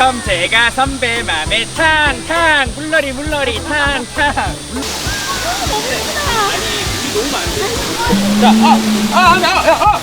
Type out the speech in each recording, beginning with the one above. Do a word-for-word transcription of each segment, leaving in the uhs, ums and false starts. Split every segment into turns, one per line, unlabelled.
그럼 제가 선배 맘에 탕탕 물놀이 물놀이 탕탕. 아니 우리 너무 많은데. 자, 아, 아, 아, 아, 아.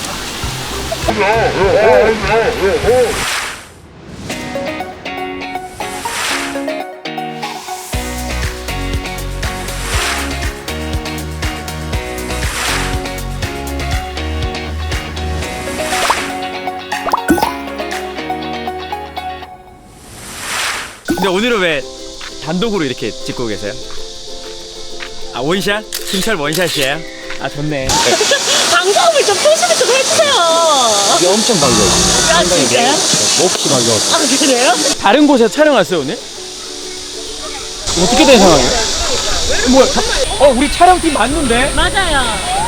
근데 오늘은 왜 단독으로 이렇게 찍고 계세요? 아 원샷? 김철 원샷이에요? 아 좋네.
방송을 좀 표시를 좀 해주세요.
이게 엄청 반가워.
아 진짜요?
몹시 반가워.
아 그래요?
다른 곳에서 촬영왔어요 오늘? 어떻게 된 상황이에요? 뭐야? 다- 어 우리 촬영팀 맞는데?
맞아요.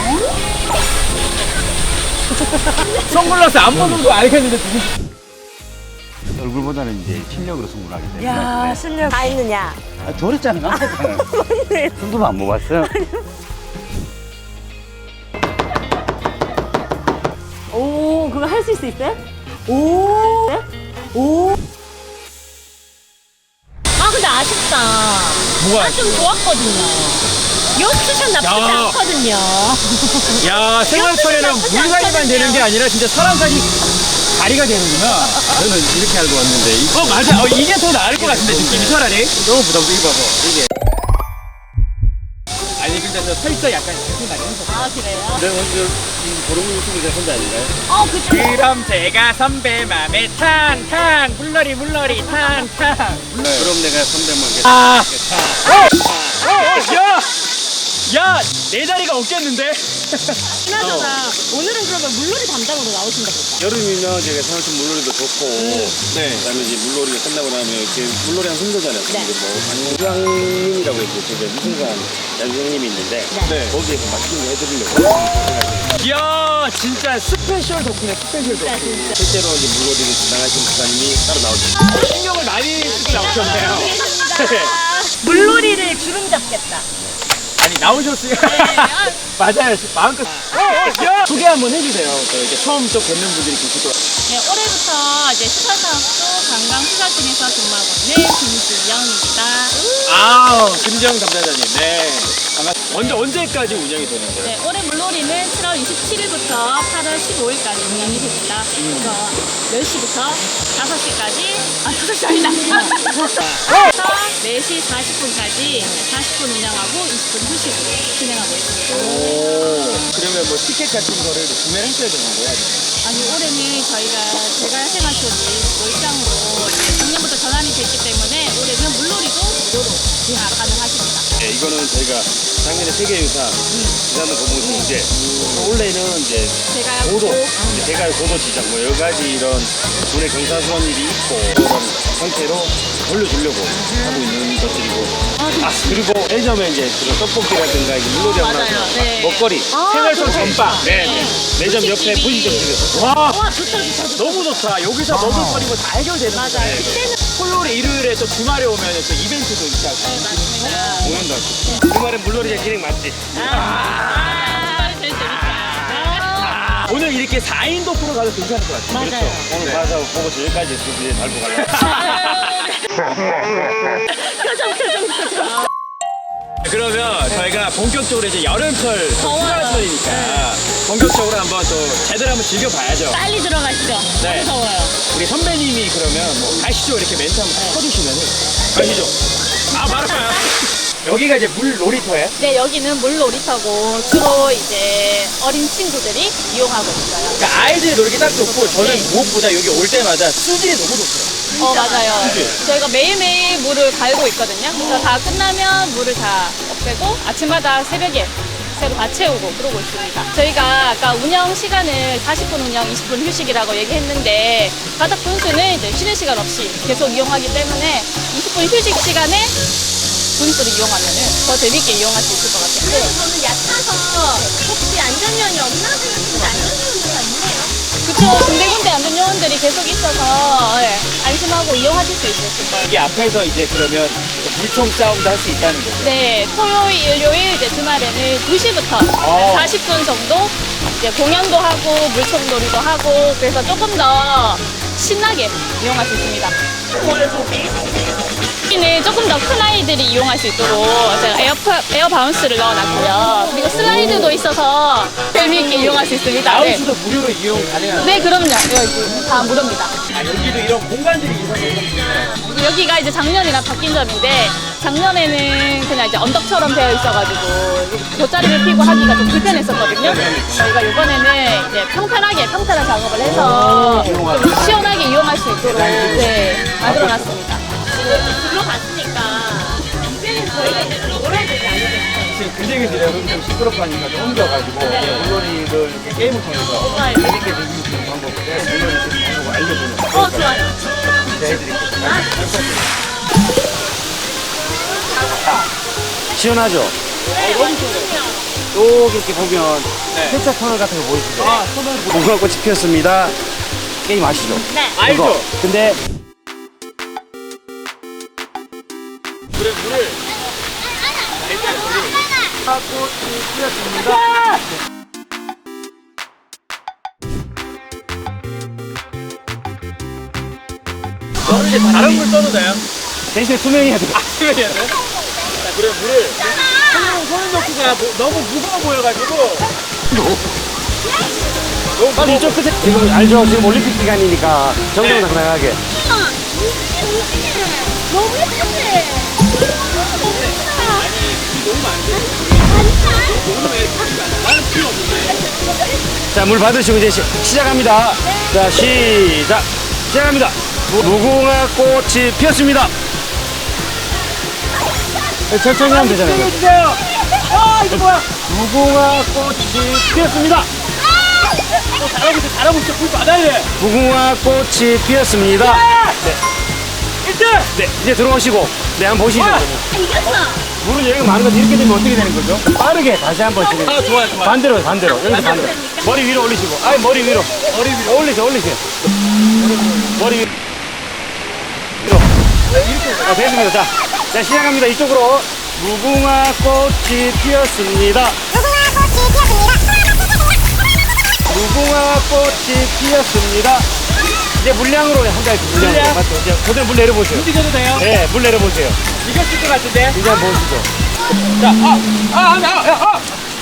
선글라스 안 벗은 거 알겠는데 누구?
얼굴보다는 이제 실력으로 승부를 하기 때문에.
야 실력 다 있느냐?
아, 저랬잖아. 승부를 안 먹었어요.
오 그거 할 수 있어요? 오. 네? 오. 아 근데 아쉽다.
뭐가
아 좀 좋았거든요. 요 투샷 나쁘지
야.
않거든요.
야 생활철에는
나쁘지
물갈이만
않거든요.
되는 게 아니라 진짜 사람까지 다리가 되는구나.
저는 이렇게 알고 왔는데 이-
어 맞아. 어, 이게 더 나을 것 같은데 느낌이 차라리.
너무 부담되게 봐봐. 이게.
아니 근데 저 살짝 약간 기분 나긴 했어.
아 그래요?
내가 먼저 이 보름 유튜브에 혼자 아닌가요?
어 그쵸.
그럼 제가 선배 맘에 탕탕 물놀이 물놀이 탕탕.
그럼 내가 선배만 겠
아. 어, 어, 어, 야, 야, 내 자리가 없겠는데?
그나저나 오늘은 그러면 물놀이 담당으로 나오신다 보다.
여름이면 제가 생활촌 물놀이도 좋고,
네.
그다음에 이제 물놀이가 끝나고 나면 이렇게 물놀이 한 힘들잖아요.
네.
근데 뭐 안광님이라고 있고 제가 무슨간 양경님이 있는데
네.
거기에서 맛있는 거 해드리려고.
이야, 진짜 스페셜 덕분에 스페셜
진짜
덕분.
진짜.
실제로 이제 물놀이를 진행하신 부사님이 따로 나오셨어요.
신경을 많이 쓰고 나오셨네요.
물놀이를 주름 잡겠다.
아니 나오셨으니까. 맞아요, 마음껏. 어, 어, 야, 소개 한번 해주세요. 또 이렇게 처음 또 뵙는 분들이 계실 것 같아요.
네, 올해부터 이제 수사사업소 관광수사팀에서 근무하고 있는 김수영입니다.
아, 김정 담당자님, 네. 반갑습니다. 먼저 언제까지 운영이 되는데요?
네, 올해 물놀이는 칠월 이십칠일부터 팔월 십오일까지 운영이 됩니다. 그래서 몇 시부터 다섯 시까지, 아, 다섯 시 아니다. 그래서 네 시 사십 분까지 사십 분 운영하고 이십 분 휴식으로 진행하고 있습니다.
오, 그러면 뭐 티켓 같은 거를 구매를 하셔야 되는 거예요?
아니, 올해는 저희가 제가 생활촌이 몰장으로 이제 작년부터 전환이 됐기 때문에 올해는 물놀이도 무료로 진행 가능하십니다.
네, 이거는 저희가 작년에 세계유산 유산을 보면서 이제 올해는 이제
제가
고도,
꼭-
이제 대갈 고도 지정 뭐 여러 가지 이런 군의 경사스러운 일이 있고 그런 형태로 돌려주려고 하고 있는 것들이고 아 그리고 매점에 이제 그런 떡볶이라든가 이제 물놀이 하고
맞아요.
나서
네.
먹거리
아,
생활촌
그래.
전방.
네, 네. 매점 옆에
분식집이-
분식집에서
와,
와, 좋다, 좋다, 좋다.
너무 좋다. 여기서 먹을거리 뭐 다 해결되는
맞아요.
거잖아요.
그때는
토요일에 일요일에 또 주말에 오면 또 이벤트도 있다고.
네, 맞습니다.
공연도 하고 주말에 물놀이가 진행 맞지?
아, 제일 재밌다. 아,
오늘 이렇게 사 인 도프로 가도 괜찮을 것 같아요.
맞아요.
그렇죠. 오늘 가서 보고 저기까지 스튜디오에 밟고 가려고
표정, 표정, 표정.
그러면 저희가 본격적으로 이제 여름철
더워요.
휴가철이니까 본격적으로 한번 또 제대로 한번 즐겨봐야죠.
빨리 들어가시죠.
네.
너무 더워요.
우리 선배님이 그러면 뭐 가시죠 이렇게 멘트 한번 쳐주시면은 가시죠. 아 말아봐요. 여기가 이제 물 놀이터예요?
네, 여기는 물놀이터고 주로 이제 어린 친구들이 이용하고 있어요.
그러니까 아이들이 놀기 딱 좋고 저는
네.
무엇보다 여기 올 때마다 수질이 너무 좋더라고요.
어, 맞아요. 저희가 매일매일 물을 갈고 있거든요. 그래서 다 끝나면 물을 다 없애고 아침마다 새벽에 새로 다 채우고 그러고 있습니다. 저희가 아까 운영 시간을 사십 분 운영, 이십 분 휴식이라고 얘기했는데 바닥 분수는 이제 쉬는 시간 없이 계속 이용하기 때문에 이십 분 휴식 시간에 분수를 이용하면 더 재밌게 이용할 수 있을 것 같아요.
그래서 저는 얕아서 혹시 안전요원이 없나 생각했는데 안전요원이가 있네요.
그쵸. 군데군데 안전 요원들이 계속 있어서 예, 안심하고 이용하실 수 있을 거예요.
여기 앞에서 이제 그러면 물총 싸움도 할 수 있다는 거죠.
네, 토요일, 일요일, 이제 주말에는 두 시부터
어.
사십 분 정도 이제 공연도 하고 물총놀이도 하고 그래서 조금 더 신나게 이용할 수 있습니다. 여기는 조금 더 큰 아이들이 이용할 수 있도록 제가 에어, 에어 바운스를 넣어놨고요. 그리고 슬라이드도 있어서 재미있게 이용할 수 있습니다. 네,
바운스도 무료로 이용 가능한.
네 그럼요. 여기 다 무료입니다.
아, 여기도 이런 공간들이 있어서.
여기가 이제 작년이랑 바뀐 점인데 작년에는 그냥 이제 언덕처럼 되어 있어가지고 돗자리를 피고 하기가 좀 불편했었거든요. 저희가 이번에는 이제 평탄하게 평탄한 작업을 해서 좀 시원하게 이용할 수 있도록 네, 만들어놨습니다.
들어갔으니까 이제는 저희가 이제 놀아야 되지 않겠어요?
지금 근쟁이 들여 좀 시끄럽고 하니까 좀 옮겨가지고 물놀이를 이렇게 게임을 통해서
좋아요.
재밌게 즐길 수 있는 방법을 물놀이 수 있는 방법을 알려주는
어, 좋아요.
진짜 해드릴게요.
시원하죠?
네, 너무 좋네요.
여기 이렇게 보면
네.
세차 터널 같은 거 보이시죠?
아, 손을
무궁화 꽃이 피었습니다. 게임 아시죠?
네.
알죠?
이거. 근데
물에 물을 저는 이제 다른 물 써도 돼요?
대신에 투명해야 돼요.
아, 수면해야 돼요? 자, 그래 물을 손을, 손을 넣기가 뭐- 너무 무거워 보여가지고 너무
빨리 이쪽 끝에 지금 알죠? 지금 올림픽 기간이니까 정정당당하게.
너무 예쁘네.
자, 물 받으시고 이제 시, 시작합니다. 자, 시작. 시작합니다. 무- 무궁화 꽃이 피었습니다. 네, 천천히 하면 되잖아요.
해주세요. 아 이거 뭐야?
무궁화 꽃이 피었습니다.
어, 잘하고 있어 잘하고 있어 불 받아야 돼.
무궁화 꽃이 피었습니다. 네.
일 등.
네, 이제 들어오시고, 네, 한번 보시죠.
와!
그러면.
이겼어.
물은 여기가 많은 건데 이렇게 되면 어떻게 되는 거죠? 빠르게 다시 한번 지금.
아 좋아요 좋아요.
반대로, 반대로. 여기서 반대로. 머리 위로 올리시고. 아니, 머리 위로.
머리 위로.
올리세요, 올리세요. 머리 위로. 아, 됐습니다. 자, 자, 시작합니다. 이쪽으로. 무궁화 꽃이 피었습니다. 무궁화 꽃이 피었습니다. 이제 물량으로 한달 물량.
물량.
맞죠? 이제 그대로 물 내려보세요.
움직여도 돼요?
네, 물 내려보세요.
이겼을 것 같은데.
이제 한번 보시죠.
자, 아, 아, 아, 아,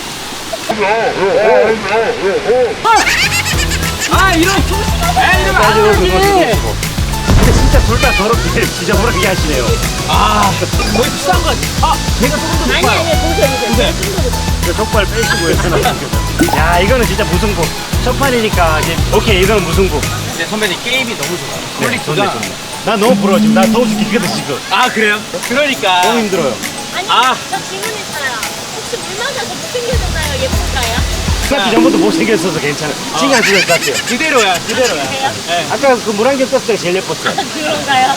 아. 아, 이런. 아, 이러면 안
가지고
되지.
그거 주고. 근데 진짜 둘 다 더럽게 지저분하게 하시네요.
아, 거의 비싼 거. 아, 제가 조금 더
아니,
높아요.
아니, 보세요, 보세요.
그 족발 빼시고 했으나. 야, 이거는 진짜 무승부. 첫 판이니까 이제 오케이, 이거는 무승부.
근데 선배님 게임이 너무 좋아요.
네,
퀄리티가.
좋네, 좋네. 나 너무 부러워 지금. 나 더워 죽겠거든 지금.
아, 그래요? 그러니까.
너무 힘들어요.
아니,
아.
저 질문 있어요. 혹시 물 맞아서 못생겨졌나요? 예쁜가요?
생각기 전부터 못생겼어서 괜찮아. 신경 쓰는 것 같아요.
그대로야, 그대로야.
그래요?
네.
아까 그 물안경 떴을 때가 제일 예뻤어요.
그런가요?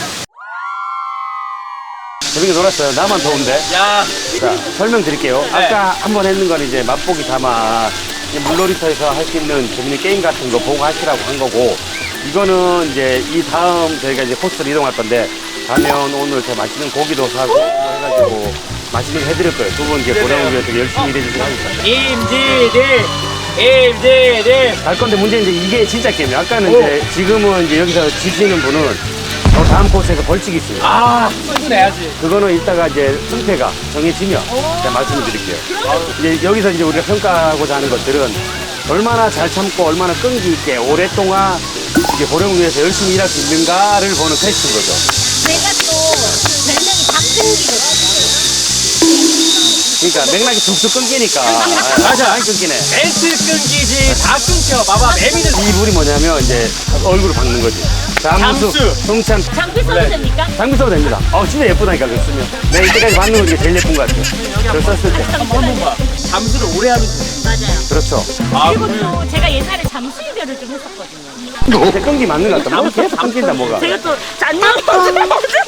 재밌게 놀았어요. 나만 더운데.
야,
자, 설명드릴게요.
네.
아까 한 번 했는 건 이제 맛보기 삼아 이제 물놀이터에서 할 수 있는 재밌는 게임 같은 거 보고 하시라고 한 거고, 이거는 이제 이 다음 저희가 이제 코스를 이동할 건데, 가면 오늘 더 맛있는 고기도 사고 뭐 해가지고 맛있는 거 해드릴 거예요. 두 분 이제 보람을 위해서 열심히 일해주시고 하니까.
임지들, 임지들.
갈 건데 문제는 이제 이게 진짜 게임이에요. 아까는 이제 지금은 이제 여기서 지시는 분은 저 다음 코스에서 벌칙이 있습니다.
아, 승부 내야지.
그거는 이따가 이제 승패가 정해지면 제가 말씀을 드릴게요. 이제 여기서 이제 우리가 평가하고자 하는 것들은 얼마나 잘 참고 얼마나 끈기 있게 오랫동안 이제 보령을 위해서 열심히 일할 수 있는가를 보는 테스트인 거죠.
제가 또 별명이 박근기거든요.
그러니까 맥락이 툭툭 끊기니까.
맞아.
많이 끊기네.
멘트 끊기지, 다 끊겨. 봐봐, 매미는.
이 물이 뭐냐면 이제 얼굴을 박는 거지. 잠수,
잠수.
송참,
장비 써도
네.
됩니까?
장비 써도 됩니다. 어, 진짜 예쁘다니까, 그거 쓰면. 내가 이때까지 받는 거 이게 제일 예쁜 것 같아요. 그걸 썼을 때.
한번 한번 봐. 잠수를 오래 하면 돼.
맞아요.
그렇죠.
아,
그리고
그래요?
또 제가 옛날에 잠수 이별을 좀 했었거든요.
근데 끈기 맞는 것 같다. 뭐 계속 끊긴다, 뭐가.
제가 또 잔념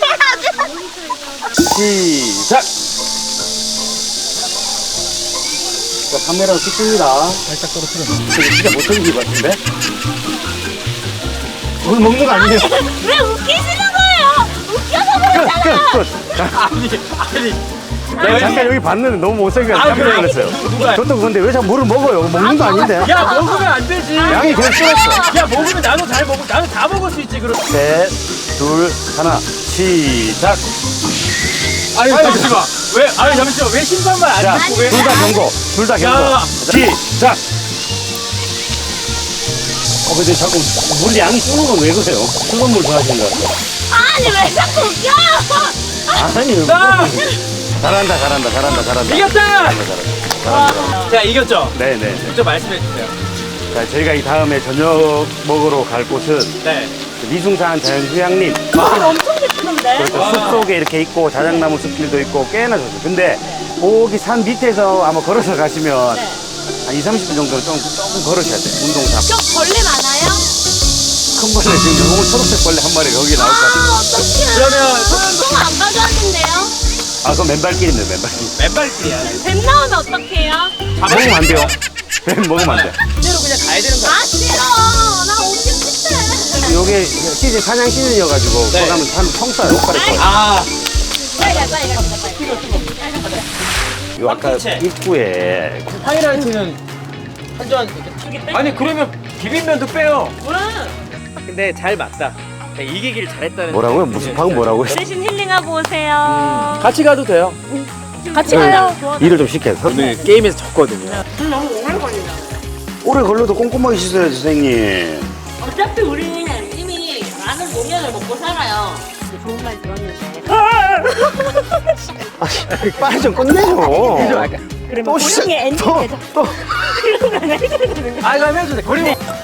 시작! 자, 카메라로 찍습니다.
살짝 떨어뜨려.
근데 진짜 못생긴 것 같은데? 물 먹는 거 아니에요?
왜 웃기시는 거예요? 웃겨서 그러잖아요.
끝, 끝. 자,
아니, 아니.
내가 잠깐 여기 봤는데 너무 못생겨서
아,
깜짝
그래?
놀랐어요.
누가?
저도 근데 왜 자꾸 물을 먹어요? 먹는 거 아닌데?
야, 먹으면 안 되지.
양이 그냥 줄었어.
야, 먹으면 나도 잘 먹고, 나도 다 먹을 수 있지, 그럼.
셋, 둘, 하나, 시작.
아니 잠시만. 왜? 아니 잠시만. 왜 신발만 안
자,
신고 왜?
둘 다 경고. 둘 다
야.
경고. 시작. 어, 근데 자꾸 물 양이 쓰는 건 왜 그래요? 뜨거운 물 좋아하시는 것 같아요.
아니 왜 자꾸 웃겨?
아니,
자,
잘한다, 잘한다, 잘한다, 잘한다.
이겼다.
잘한다, 잘한다. 잘한다.
제가 이겼죠.
네, 네.
좀 말씀해 주세요.
자, 저희가 이 다음에 저녁 먹으러 갈 곳은
네.
미숭산 자연휴양림.
물 엄청 예쁘던데?
그렇죠. 숲 속에 이렇게 있고 자작나무 숲길도 있고 꽤나 좋죠. 근데 거기 산 밑에서 아마 걸어서 가시면
네.
한 이, 삼십 분 정도 좀 조금 걸으셔야 돼요. 운동 삼아.
저 벌레 많아요?
큰 벌레 지금 요거 초록색 벌레 한 마리 거기 나올 것 같아요.
아 어떡해.
그러면
똥안 가져왔는데요?
아, 그건 맨발길입니다, 맨발길.
맨발길이야.
뱀 나오면 어떡해요?
먹으면 안 돼요. 뱀 먹으면 안 돼.
그대로 그냥 가야 되는 거야.
아 싫어. 나 오기 싫대.
요게 시즌, 사냥 시즌이어가지고
네.
거기 가면 참 청사요, 옷갈이 거.
아,
빨리 가 빨리 가 빨리.
요 아까
빡치채.
입구에
하이라이트는 완전 아니 그러면 비빔면도 빼요. 근데 잘 맞다. 이기길 잘했다는.
뭐라고요? 무슨 방금 뭐라고요?
대신 힐링하고 오세요.
같이 가도 돼요.
같이 가요.
일을 좀 시켜서.
오늘 게임에서 졌거든요.
오래 걸려도 꼼꼼하게 씻어야지, 선생님.
어차피 우리는 이미 많은 노면을 먹고 살아요. 좋은 말 들었는데.
빨리 좀 끝내줘.
그러면
또 시작-
고령의 엔딩
또,
되죠.
또.
이런 거 해줘야 되는 거.
아, 이거 해도 돼. 그리고